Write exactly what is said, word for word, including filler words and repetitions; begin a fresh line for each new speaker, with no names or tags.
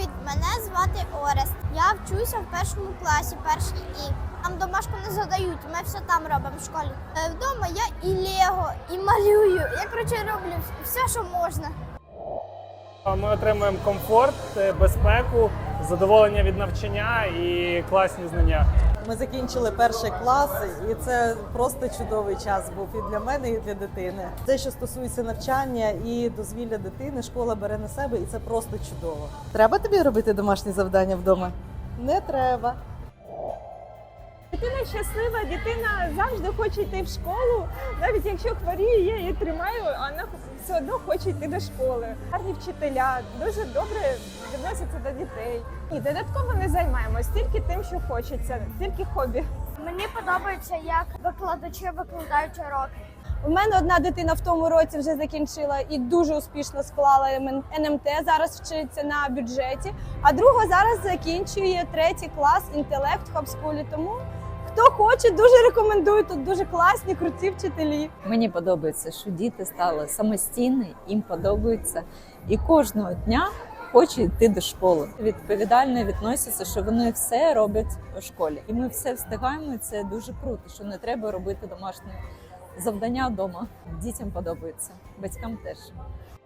Привіт, мене звати Орест. Я вчуся в першому класі, перший І. Там домашку не задають, ми все там робимо в школі. Е, Вдома я і лего, і малюю. Я, коротше, роблю все, що можна.
Ми отримуємо комфорт, безпеку, задоволення від навчання і класні знання.
Ми закінчили перший клас, і це просто чудовий час був і для мене, і для дитини. Те, що стосується навчання і дозвілля дитини, школа бере на себе, і це просто чудово. Треба тобі робити домашні завдання вдома? Не треба.
Дитина щаслива, дитина завжди хоче йти в школу. Навіть якщо хворіє, я її тримаю, а вона все одно хоче йти до школи. Гарні вчителя, дуже добре відносяться до дітей. І додатково не займаємось, тільки тим, що хочеться, тільки хобі.
Мені подобається, як викладачі викладають уроки.
У мене одна дитина в тому році вже закінчила і дуже успішно склала Ен Ем Те, зараз вчиться на бюджеті, а друга зараз закінчує третій клас інтелект в Хабскулі. Тому хто хоче, дуже рекомендую, тут дуже класні, круті вчителі.
Мені подобається, що діти стали самостійні, їм подобається, і кожного дня хочуть йти до школи. Відповідально відносяться, що вони все роблять у школі. І ми все встигаємо, і це дуже круто, що не треба робити домашні завдання вдома. Дітям подобається, батькам теж.